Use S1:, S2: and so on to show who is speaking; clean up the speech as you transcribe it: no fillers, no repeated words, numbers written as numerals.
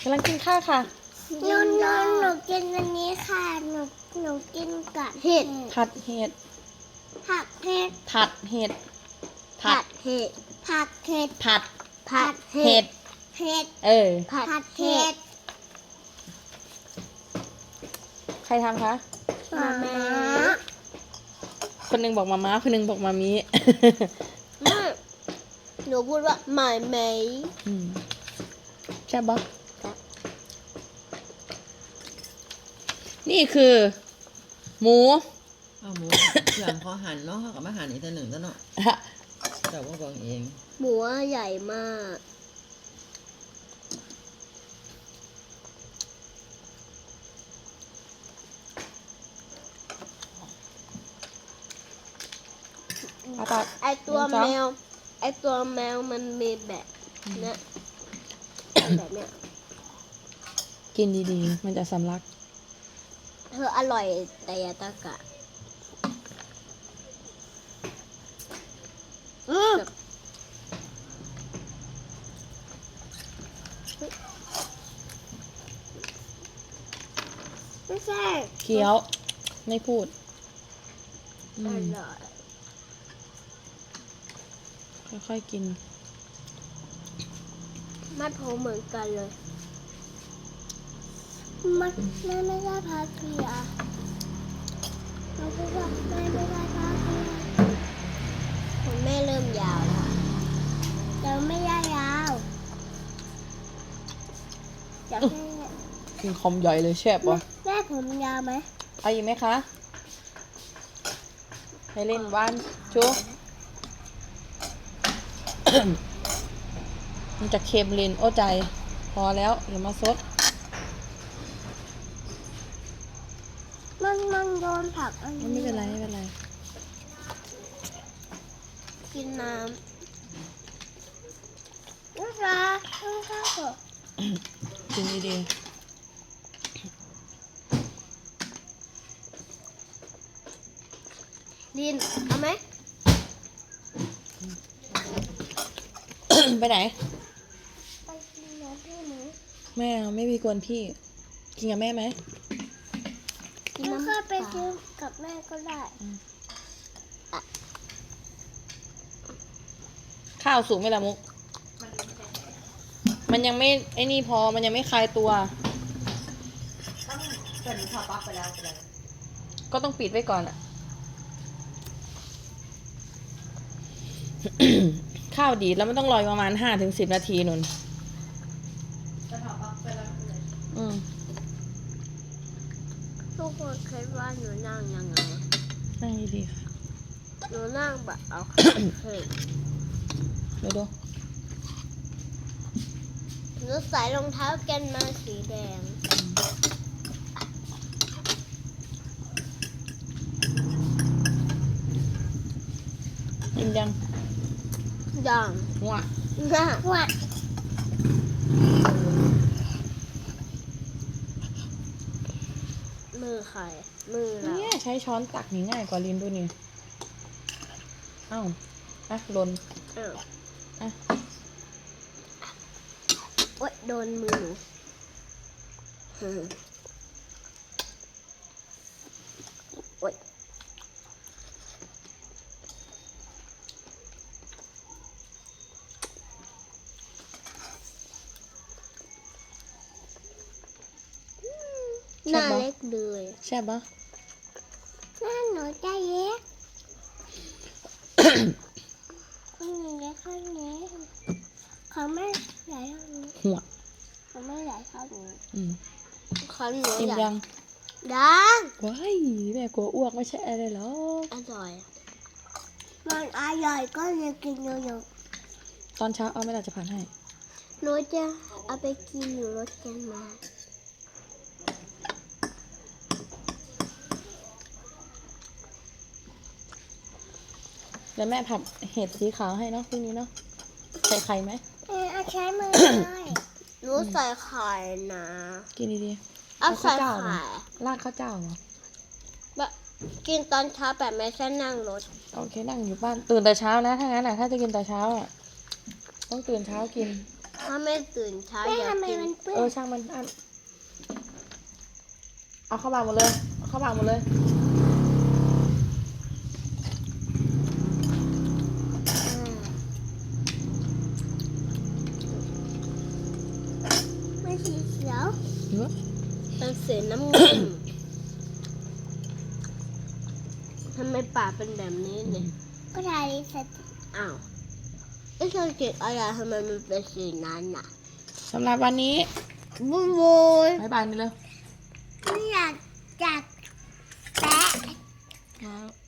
S1: ำลังกินข้าวค่ะ
S2: หนูกินอันนี้ค่ะหนูกินกับเห็ด
S1: ผัดเห็ด
S2: ผักเห็ด
S1: ผัดเห็ด
S2: ผัดเห็ดผักเห็ด
S1: ผัด
S2: ผัด
S1: เห็ด
S2: เห็ด
S1: ผัด
S2: เห็ด
S1: ใครทำคะ
S2: มาม่า
S1: คนหนึงบอกมาม่าคนหนึงบอกมามี
S2: หนูพูดว่าหมายไหม
S1: ใช่ปะนี่คือ หมู
S3: เอาหมูเสื่อมพอหั่นเนาะเขากับมาหั่นอีกตัวหนึ่งตัวเนาะแต่ว่าบอกเอง
S2: หมูใหญ่มาก
S1: อาตา
S2: ไอตัวแมวมันมีแบบเนี้ยแบบเนี้ย
S1: กินดีๆ มันจะสำลัก
S2: เธออร่อยแต่อยาตะกะไม่ใช่
S1: เคี้ยว ไม่พูด
S2: อร่อย
S1: ค่อยๆกิน
S2: มัดผมเหมือนกันเลยมันไม่ได้พาเกียเราพูดว่าแม่ไม่ได้พาเกียผมแม่เริ่มยาวแล้วแต่ไม่ได้ยาวอยากให้
S1: กินคอมใหญ่เลยแซ่บวะ
S2: แม่ผมยาวไหม
S1: เอาอีกไหมคะ ให้เล่นบ้านชู มันจะเค็มเลนโอ้ใจ พอแล้วเดี๋ยวมาซด
S2: มันโดนผักอันนี้
S1: ไม่เป็นไรไม่เป็นไร
S2: กินน้ำลูกค้าเถอะ
S1: กินดี
S2: ลินเอาไหม
S1: ๆ ไปไหน
S2: ไปกินน้ำพี่หนู
S1: แม่ไม่มีกวนพี่ กินกับแม่ไหม
S2: กินน้ำก็ไปซื้อกับแม่ก็ได้
S1: ข้าวสุกไหมล่ะมุก มันยังไม่ไอ้นี่พอ มันยังไม่คลายตัว ก็ต้องปิดไว้ก่อนอะ ข้าวดีดแล้วมันต้องรอประมาณ5-10 นาทีนุ่นอืม
S2: ทุกคนคิดว่าหนูนั่งยังไง
S1: นั่งดีๆค่ะ
S2: หนูนั่งแบบเอาขาขึ้น
S1: ดู
S2: หนูใส่รองเท้าแกนมาสีแดง
S1: กินยัง
S2: อย่าง
S1: หัว
S2: น่าวัดมือใครมือเรา
S1: เนี่ยใช้ช้อนตักนี่ง่ายกว่าลิ้นดูนี่เอ้าอ่ะหล่น
S2: อ้าว
S1: อ่ะ
S2: โอ๊ยโดนมือหนูโอ๊ยหน้าเล็กเลย
S1: แซ่บปะ
S2: หน้าหนูจะเล็กข้างนี้เล็กข้างนี้เขาไม่ใหญ่เท่านี้
S1: หัว
S2: เขาไม่ใหญ่เท่านี้
S1: อืม
S2: เขาหนู
S1: กิน
S2: ใหญ่
S1: ยัง
S2: ดัง
S1: ว้ายแม่กลัวอ้วกไม่ใช่อะไรหรอก
S2: อร่อยมันอร่อยก็เลยกินเยอะ
S1: ตอนเช้าเอาไม่ได้จะผ่านให้
S2: ๆหนูจะเอาไปกินอยู่รถกันมา
S1: แล้วแม่ผัดเห็ดสีขาวให้เนาะพรุ่งนี้เนาะใส่ไข่ไหม
S2: เอาใช้มือได้หนูใส่ไข่นะ
S1: กินดี
S2: เอาใส่
S1: เอาข้าวเจ้าเหรอ
S2: ไข่
S1: ๆราดข้าวเจ้าเหรอ
S2: แบบกินตอนเช้าแบบไม่ใช่นั่งรถ
S1: โอเคนั่งอยู่บ้านตื่นแต่เช้านะถ้างั้นอ่ะถ้าจะกินแต่เช้าอ่ะต้องตื่นเช้ากิน
S2: ถ้าไม่ตื่นเช้าอยากกิน
S1: ช่างมันอันเอาเข้าปากหมดเลยเอาเข้าปากหมดเลย
S2: ไม่สีเขียว
S1: เนอะ
S2: เป็นสีน้ำเงินทำไมปากเป็นแบบนี้เนี่ยก็ทาลิปสติกอ้าวไอ้สติกอะไรทำไมมันเป็นสีนั้นน่ะ
S1: สำหรับวันนี้
S2: บุญ
S1: บ๊ายบายนี่เลย
S2: ไม่อยากจัดแปะ
S1: ครับ